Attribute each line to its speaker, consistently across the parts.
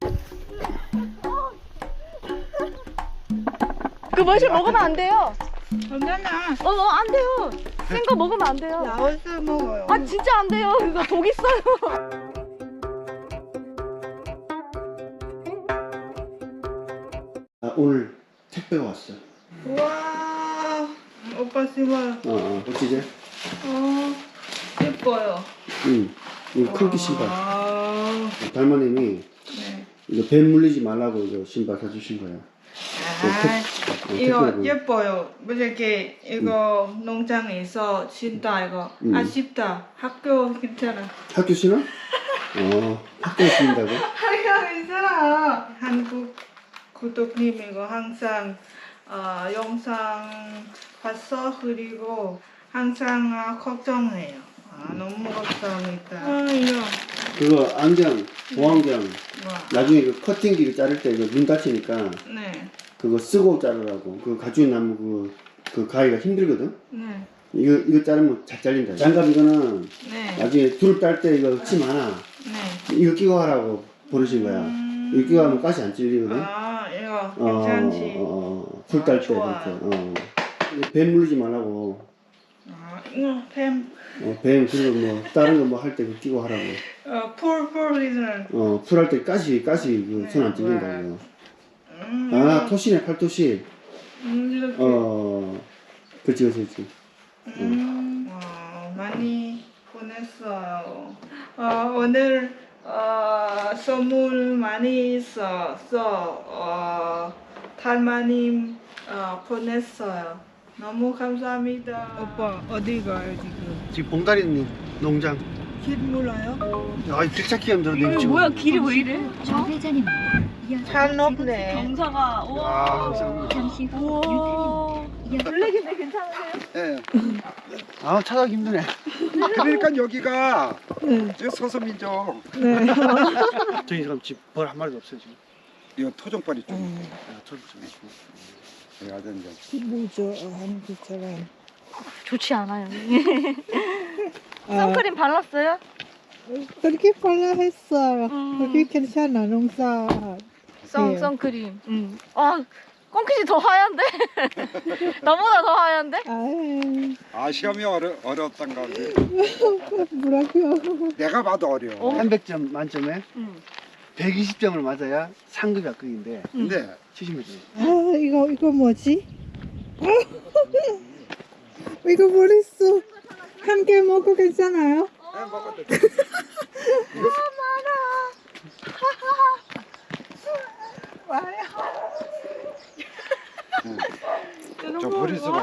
Speaker 1: 그 머실 먹으면 안 돼요.
Speaker 2: 괜찮아.
Speaker 1: 안 돼요. 센 거 먹으면 안 돼요.
Speaker 2: 라오스 먹어요.
Speaker 1: 아 진짜 안 돼요. 이거 독 있어요.
Speaker 3: 오늘 택배가 왔어.
Speaker 2: 우와. 오빠 신발.
Speaker 3: 어찌지?
Speaker 2: 예뻐요.
Speaker 3: 이거 크기 신발. 달마님이
Speaker 2: 네.
Speaker 3: 이거 뱀 물리지 말라고 이거 신발 사주신 거야.
Speaker 2: 이거
Speaker 3: 택배로.
Speaker 2: 예뻐요. 이렇게 이거 농장에서 신다 이거. 아쉽다. 학교 괜찮아.
Speaker 3: 학교 신어? 학교에 신다고?
Speaker 2: 학교 괜찮아. 한국 구독님 이거 항상 영상 봤어. 그리고 항상 걱정해요. 너무 감사합니다. 이거.
Speaker 3: 그거 안경, 보안경.
Speaker 2: 와.
Speaker 3: 나중에 그 커팅기를 자를 때 눈 다치니까
Speaker 2: 네.
Speaker 3: 그거 쓰고 자르라고. 그 가죽 나무 그 가위가 힘들거든.
Speaker 2: 네.
Speaker 3: 이거 자르면 잘 잘린다. 장갑 이거는
Speaker 2: 네.
Speaker 3: 나중에 둘 딸 때 이거 침 많아.
Speaker 2: 네.
Speaker 3: 이거 끼고 하라고 보내신 거야. 이거 끼고 하면 가시 안 찔리거든.
Speaker 2: 이거 괜찮지.
Speaker 3: 풀 딸 때
Speaker 2: 좋아.
Speaker 3: 이렇게. 뱀 물리지 말라고.
Speaker 2: 이거 뱀.
Speaker 3: 뱀 그리고 뭐 다른 거 뭐 할 때 끼고 하라고.
Speaker 2: 풀리는.
Speaker 3: 풀 할 때 가시 그 손 안 찔린다 이거. 토시네 팔토시.
Speaker 2: 이렇게.
Speaker 3: 그렇지.
Speaker 2: 많이 보냈어요. 오늘 선물 많이 있어서 달마님 보냈어요. 너무 감사합니다. 오빠 어디 가요 지금?
Speaker 3: 지금 봉다리 농장.
Speaker 2: 길 몰라요?
Speaker 3: 길 찾기 힘들어.
Speaker 1: 이거 뭐야 길이 왜 이래?
Speaker 4: 좌회전입니다.
Speaker 2: 잘 높네.
Speaker 1: 경사가 우와.
Speaker 4: 잠시 후
Speaker 1: 우와.
Speaker 4: 유턴입니다.
Speaker 1: 블랙인데 괜찮으세요?
Speaker 5: 예.
Speaker 3: 찾아가기 힘드네.
Speaker 5: 그러니까 여기가 저 서서민족
Speaker 3: 저희 지금 집벌 한 마리도 없어요 지금.
Speaker 5: 이거 토종벌이 좀
Speaker 3: 저도 좀
Speaker 5: 아주 이제
Speaker 2: 기분죠 한국처럼.
Speaker 1: 좋지 않아요. 선크림 발랐어요?
Speaker 2: 그렇게 빨라 했어요.
Speaker 1: 그렇게
Speaker 2: 괜찮아 농사.
Speaker 1: 선크림. 꽁키지 더 하얀데? 나보다 더 하얀데?
Speaker 5: 시험이 어렵단가 보지.
Speaker 2: 뭐라고요?
Speaker 5: 내가 봐도 어려워.
Speaker 3: 300점 만점에 120점을 맞아야 상급이 합격인데
Speaker 5: 근데
Speaker 3: 70점.
Speaker 2: 이거 뭐지? 이거 모르겠어. 한 개 먹고 괜찮아요?
Speaker 5: 먹어도
Speaker 2: 와요.
Speaker 5: 저 버리스 봐봐.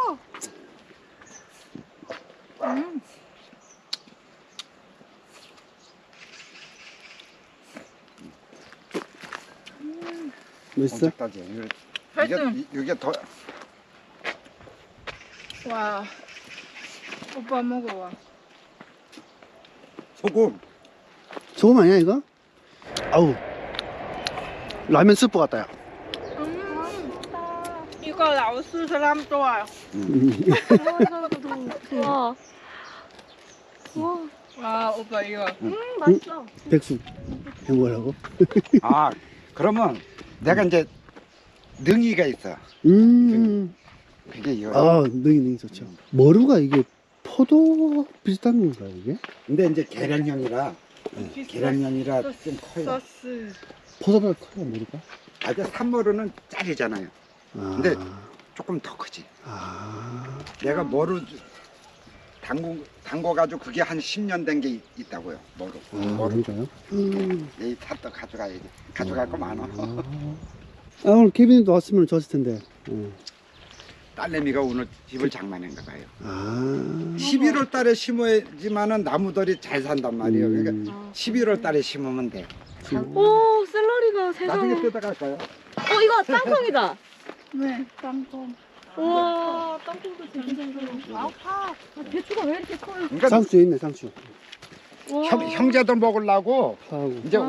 Speaker 3: 맛있어?
Speaker 5: 엄청나지. 이게 더
Speaker 2: 와. 오빠 먹어봐.
Speaker 5: 소금.
Speaker 3: 소금 아니야 이거? 아우 라면 스프 같다 야.
Speaker 2: 이거 라오스 사람 좋아요.
Speaker 1: 우와.
Speaker 2: 와, 오빠 이거.
Speaker 1: 맛있어.
Speaker 3: 백숙 해먹으라고?
Speaker 5: 그러면 내가 이제 능이가 있어. 그게 이거.
Speaker 3: 능이 좋죠. 머루가 이게 포도 비슷한 건가 이게?
Speaker 5: 근데 이제 계란형이라 좀 커요.
Speaker 2: 소스.
Speaker 3: 포도보다 커요 머루가?
Speaker 5: 아주 산머루는 짜리잖아요. 근데 조금 더 크지. 내가 머루 담궈가지고 그게 한 10년 된 게 있다고요. 머루.
Speaker 3: 그런가요?
Speaker 5: 이 샀다 가져가야지. 가져갈 거 많아.
Speaker 3: 오늘 케빈도 왔으면 좋았을 텐데.
Speaker 5: 딸내미가 오늘 집을 장만한가 봐요. 11월 달에 심어야지만은 나무들이 잘 산단 말이에요. 그러니까 11월 달에 심으면 돼.
Speaker 1: 오, 샐러리가 세상에.
Speaker 5: 나중에 뜯어갈까요?
Speaker 1: 이거 땅콩이다.
Speaker 2: 네, 땅콩.
Speaker 1: 우와, 땅콩도 되게 잘 살아. 배추가 왜 이렇게 커요?
Speaker 5: 그러니까
Speaker 3: 상추 있네 상추.
Speaker 5: 형제들 먹으려고
Speaker 3: 파하고.
Speaker 5: 이제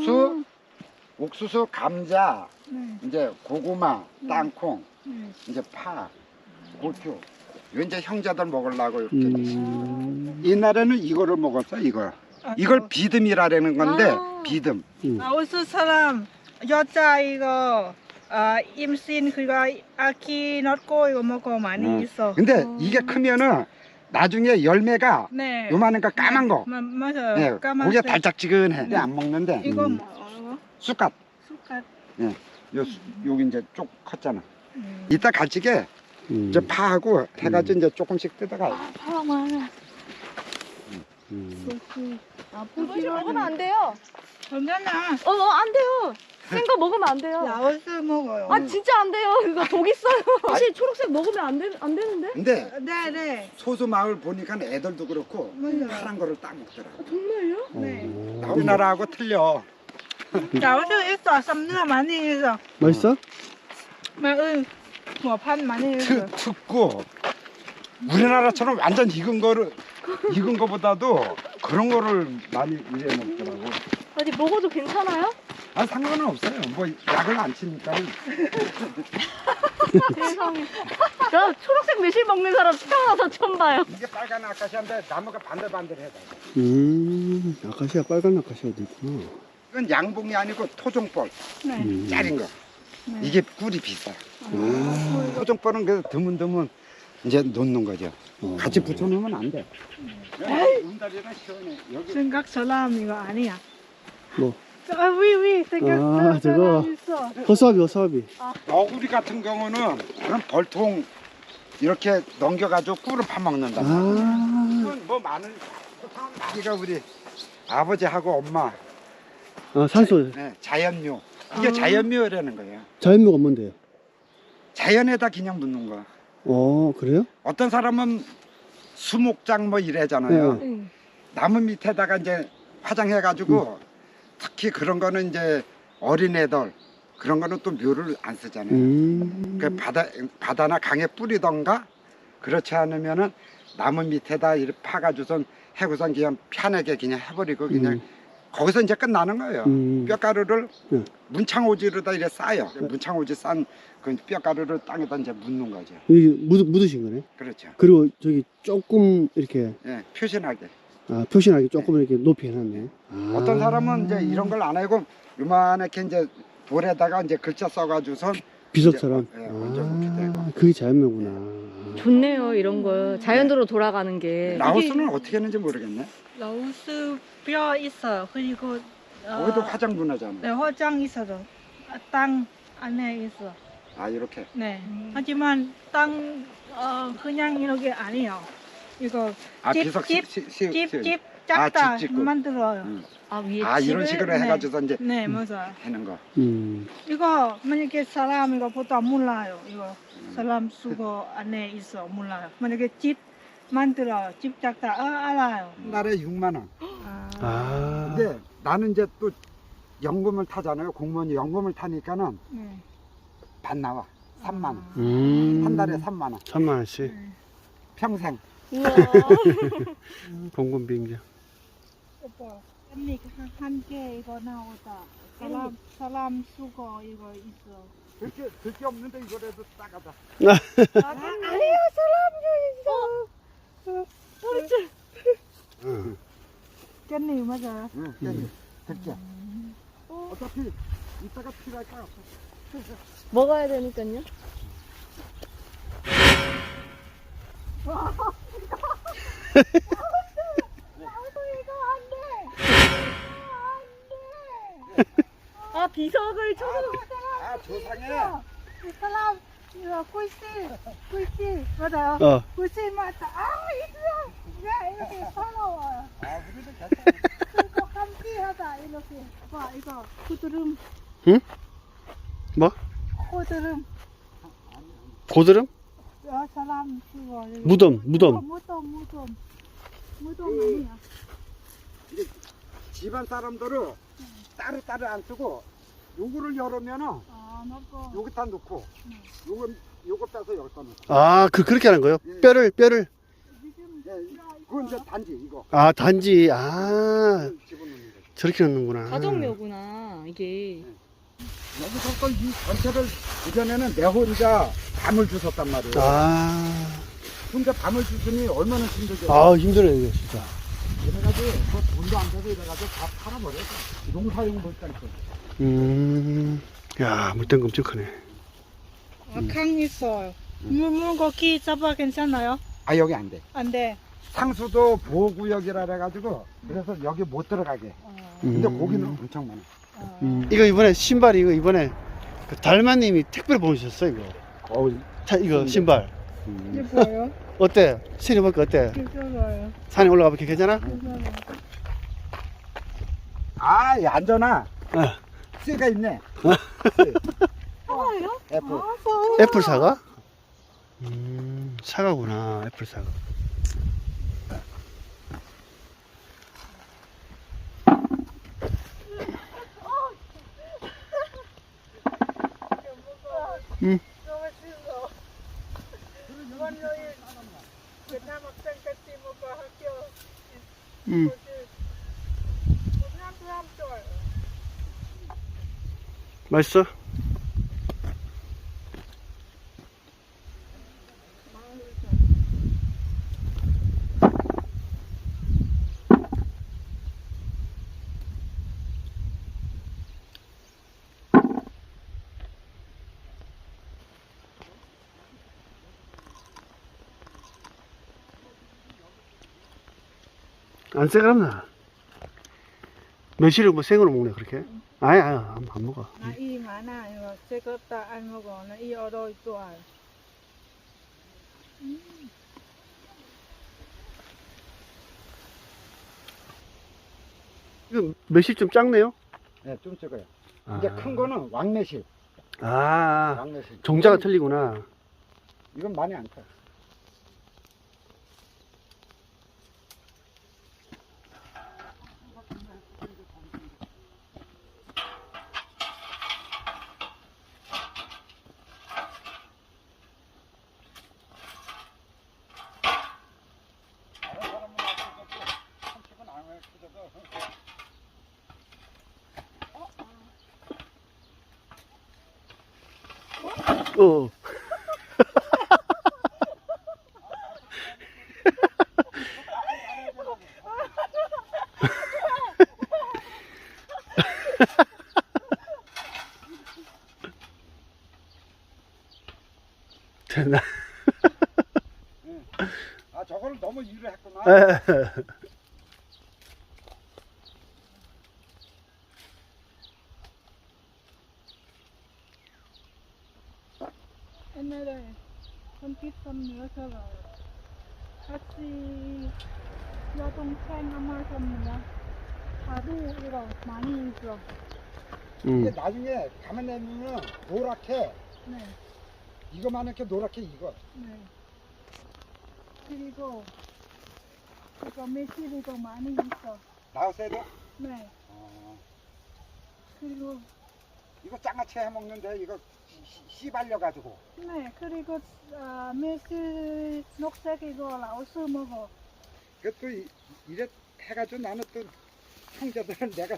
Speaker 5: 옥수수, 감자, 이제 고구마, 땅콩, 이제 파, 고추. 이거 이제 형제들 먹으려고 이렇게. 옛날에는 이거를 먹었어, 이거. 이걸 비듬이라는 건데
Speaker 1: 아.
Speaker 5: 비듬.
Speaker 1: 라오스 사람 여자 이거 임신 그리고 아기 낳고 이거 먹고 많이 있어.
Speaker 5: 근데 이게 크면은 나중에 열매가
Speaker 1: 네.
Speaker 5: 요만한 거 까만 거.
Speaker 1: 맞아요.
Speaker 5: 네,
Speaker 1: 까만색.
Speaker 5: 고기가 달짝지근해. 근데 안 먹는데
Speaker 1: 이거 뭐?
Speaker 5: 쑥갓.
Speaker 1: 쑥갓.
Speaker 5: 여기 이제 쭉 컸잖아. 이따 갈치게 이제 파하고 해가지고 이제 조금씩 뜯어가요.
Speaker 1: 파 많아.
Speaker 6: 이거 먹으면 안 돼요.
Speaker 1: 괜찮아.
Speaker 6: 안 돼요. 생 거 먹으면 안 돼요.
Speaker 1: 라오스 먹어요.
Speaker 6: 아 진짜 안 돼요. 이거 독 있어요. 사실 초록색 먹으면 안 되는데?
Speaker 5: 근데
Speaker 1: 네.
Speaker 5: 소수 마을 보니까 애들도 그렇고
Speaker 1: 맞아요.
Speaker 5: 파란 거를 딱 먹더라고.
Speaker 6: 정말요?
Speaker 1: 네.
Speaker 5: 우리나라하고 틀려.
Speaker 1: 라오스 있어. 쌈นื้ 많이 있어.
Speaker 3: 맛있어?
Speaker 1: 뭐판 많이 있어.
Speaker 5: 특고 우리나라처럼 완전 익은 거보다도 그런 거를 많이 이래 먹더라고.
Speaker 6: 아니 먹어도 괜찮아요?
Speaker 5: 아 상관은 없어요. 뭐 약을 안 치니까.
Speaker 6: 세상에. 나 초록색 매실 먹는 사람 태어나서 처음 봐요.
Speaker 5: 이게 빨간 아카시아인데 나무가 반들반들해.
Speaker 3: 아카시아, 빨간 아카시아도 있구나.
Speaker 5: 이건 양봉이 아니고 토종벌
Speaker 1: 네.
Speaker 5: 짜린 거.
Speaker 1: 네.
Speaker 5: 이게 꿀이 비싸. 토종벌은 그래서 드문드문 이제 놓는 거죠. 같이 붙여놓으면 안 돼. 운다리는 시원해. 여기
Speaker 1: 생각 사람 이거 아니야.
Speaker 3: 뭐?
Speaker 1: 위 생각
Speaker 3: 저거.
Speaker 1: 사람 있어.
Speaker 3: 허수아비.
Speaker 5: 너구리 같은 경우는 그런 벌통 이렇게 넘겨가지고 꿀을 파먹는다. 이건 뭐 많은 우리가 우리 아버지하고 엄마
Speaker 3: 산소.
Speaker 5: 네, 자연묘. 이게 자연묘라는 거예요.
Speaker 3: 자연묘가 뭔데요?
Speaker 5: 자연에다 그냥 묻는 거.
Speaker 3: 그래요?
Speaker 5: 어떤 사람은 수목장 뭐 이래잖아요.
Speaker 6: 네.
Speaker 5: 나무 밑에다가 이제 화장해가지고 특히 그런 거는 이제 어린애들 그런 거는 또 묘를 안 쓰잖아요. 그 바다나 강에 뿌리던가 그렇지 않으면은 나무 밑에다 이렇게 파가지고선 해고선 그냥 편하게 그냥 해버리고 그냥 거기서 이제 끝나는 거예요. 뼈가루를 문창오지로다 이렇게 싸요. 문창오지 싼 그 뼈가루를 땅에다 이제 묻는 거죠.
Speaker 3: 여기 묻으신 거네.
Speaker 5: 그렇죠.
Speaker 3: 그리고 저기 조금 이렇게
Speaker 5: 예, 표신하게.
Speaker 3: 표시나게 조금 이렇게 높이 해놨네.
Speaker 5: 어떤 사람은 이제 이런 걸 안 하고 요만하게 이제 돌에다가 이제 글자 써가지고선
Speaker 3: 비석처럼.
Speaker 5: 이제, 얹어놓게 되고.
Speaker 3: 그게 자연묘구나.
Speaker 6: 좋네요 이런 거. 자연으로 돌아가는 게.
Speaker 5: 라오스는 어떻게 했는지 모르겠네.
Speaker 1: 라오스 뼈 있어요. 그리고
Speaker 5: 거기도 화장 문화잖아.
Speaker 1: 네, 화장 있어도 땅 안에 있어.
Speaker 5: 아 이렇게.
Speaker 1: 네. 하지만 땅 그냥 이렇게 아니에요. 이거
Speaker 5: 아
Speaker 1: 집,
Speaker 5: 비석
Speaker 1: 집,
Speaker 5: 집
Speaker 1: 작다
Speaker 5: 집 짓고.
Speaker 1: 만들어요.
Speaker 6: 위에
Speaker 5: 이런 식으로
Speaker 1: 네.
Speaker 5: 해가지고 이제
Speaker 1: 네, 맞아요.
Speaker 5: 하는 거.
Speaker 1: 이거 만약에 사람 이거 보통 몰라요. 이거 사람 수거 안에 있어 몰라요. 만약에 집 만들어요. 집 작다 알아요.
Speaker 5: 한 달에 6만 원. 근데 나는 이제 또 연금을 타잖아요. 공무원이 연금을 타니까는
Speaker 1: 네.
Speaker 5: 반 나와. 3만 원. 한 달에 3만 원.
Speaker 3: 3만 원씩.
Speaker 5: 평생.
Speaker 6: 우와.
Speaker 3: 공군 비행장.
Speaker 1: 오빠, 언니 한 개 이거 나오다. 사람 수거 이거 있어.
Speaker 5: 들게 없는데 이거라도 따가자.
Speaker 1: 아니야 사람도 있어. 깻잎 맞아요.
Speaker 5: 응, 들게. 어차피 이따가 필요할 거야.
Speaker 6: 먹어야 되니까요. 비석을 쳐서.
Speaker 5: 조상해.
Speaker 1: 사람 이거 꿀씨 맞아요. 꿀씨 맞다. 이거 이렇게 서러워요.
Speaker 5: 우리도 괜찮아.
Speaker 1: 그리고 함께하다 이렇게. 봐 이거 고드름.
Speaker 3: 응? 뭐?
Speaker 1: 고드름.
Speaker 3: 고드름?
Speaker 1: 사람 그거.
Speaker 3: 무덤.
Speaker 1: 무덤 아니야.
Speaker 5: 집안 사람들은 따로 안 쓰고 요거를 열으면은
Speaker 1: 넣고.
Speaker 5: 여기다 넣고 요거 빼서 여기다 넣고.
Speaker 3: 그렇게 하는 거예요?
Speaker 5: 예.
Speaker 3: 뼈를.
Speaker 5: 그건 이제 단지 이거.
Speaker 3: 단지.
Speaker 5: 집어넣는 거죠.
Speaker 3: 저렇게 넣는구나.
Speaker 6: 가정묘구나 이게.
Speaker 5: 여기서부터 이 전체를 그전에는 내 혼자 밤을 주웠단 말이에요. 혼자 밤을 주으니 얼마나 힘들겠어요.
Speaker 3: 힘들어요, 이거 진짜.
Speaker 5: 그래가지고 그 돈 물도 안 돼서 이래가지고 다 팔아버려서 농사용 물장 거.
Speaker 3: 야, 물탱금 엄청 크네.
Speaker 1: 강 있어요. 물고기 잡아 괜찮아요?
Speaker 5: 아 여기 안 돼.
Speaker 1: 안 돼.
Speaker 5: 상수도 보호구역이라 그래가지고 그래서 여기 못 들어가게. 근데 고기는 엄청 많아.
Speaker 3: 이거 이번에 신발 이거 이번에 그 달마님이 택배로 보내주셨어 이거. 이거 신발.
Speaker 1: 이게 뭐예요?
Speaker 3: 어때? 신어볼까 어때?
Speaker 1: 괜찮아요.
Speaker 3: 산에 올라가볼게 괜찮아?
Speaker 1: 괜찮아요.
Speaker 5: 아, 이 안전아.
Speaker 3: 어.
Speaker 5: 쇠가 있네.
Speaker 1: 사과요?
Speaker 5: 애플.
Speaker 3: 애플 사과? 사과구나 애플 사과. 응. 응. 맛있어? 안 새가랍나? 며칠을 뭐 생으로 먹네 그렇게? 아야 안 먹어.
Speaker 1: 나이 많아요. 제가 다 안 먹어. 나이 어려 좋아요.
Speaker 3: 이거 매실 좀 작네요?
Speaker 5: 네, 좀 적어요.
Speaker 3: 아.
Speaker 5: 이제 큰 거는 왕매실.
Speaker 3: 아
Speaker 5: 왕매실.
Speaker 3: 종자가 틀리구나.
Speaker 5: 이건 많이 안 커.
Speaker 3: 어. 됐나?
Speaker 5: 아, 저걸 너무 일을 했구나.
Speaker 1: 옛날에 손짓선 넣어서 같이 여동생 아마 선물이야. 하도 이거 많이 있어.
Speaker 5: 이게 나중에 가만 내면 노랗게,
Speaker 1: 네,
Speaker 5: 이거만 이렇게 노랗게 익어.
Speaker 1: 네. 그리고 이거 매실이도 많이 있어.
Speaker 5: 나우세도?
Speaker 1: 네. 그리고
Speaker 5: 이거 장아찌 해 먹는데 이거 씨 발려가지고.
Speaker 1: 네, 그리고 매실 녹색 이거 라오스 먹어.
Speaker 5: 그것도 이래 해가지고 나는 또 형제들은 내가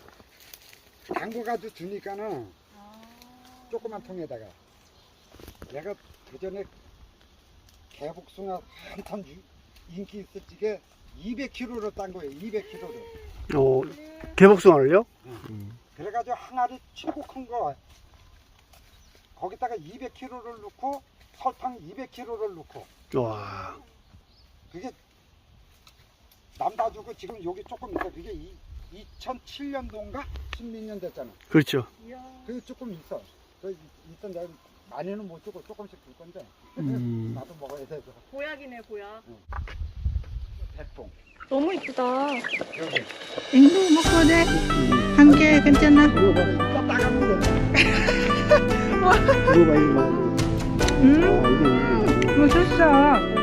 Speaker 5: 담궈가지고 주니까는 조그만 통에다가 내가 그전에 개복숭아 한참 인기 있었지게 200kg로 딴 거예요. 200kg로.
Speaker 3: 어, 개복숭아를요?
Speaker 5: 그래가지고 항아리 최고 큰 거 거기다가 200kg를 넣고 설탕 200kg를 넣고
Speaker 3: 와.
Speaker 5: 그게 남다주고 지금 여기 조금 있어. 그게 2007년도인가 16년 됐잖아.
Speaker 3: 그렇죠.
Speaker 5: 그게 조금 있어. 그 일단 내가 많이는 못 주고 조금씩 줄 건데 나도 먹어야 돼서.
Speaker 6: 보약이네, 보약.
Speaker 5: 대풍.
Speaker 6: 너무 이쁘다.
Speaker 5: 여기.
Speaker 1: 앵두 먹고 돼. 한 개 괜찮아?
Speaker 5: 이거 따가면 돼.
Speaker 3: 이거 봐 이거 봐.
Speaker 1: 맛있어.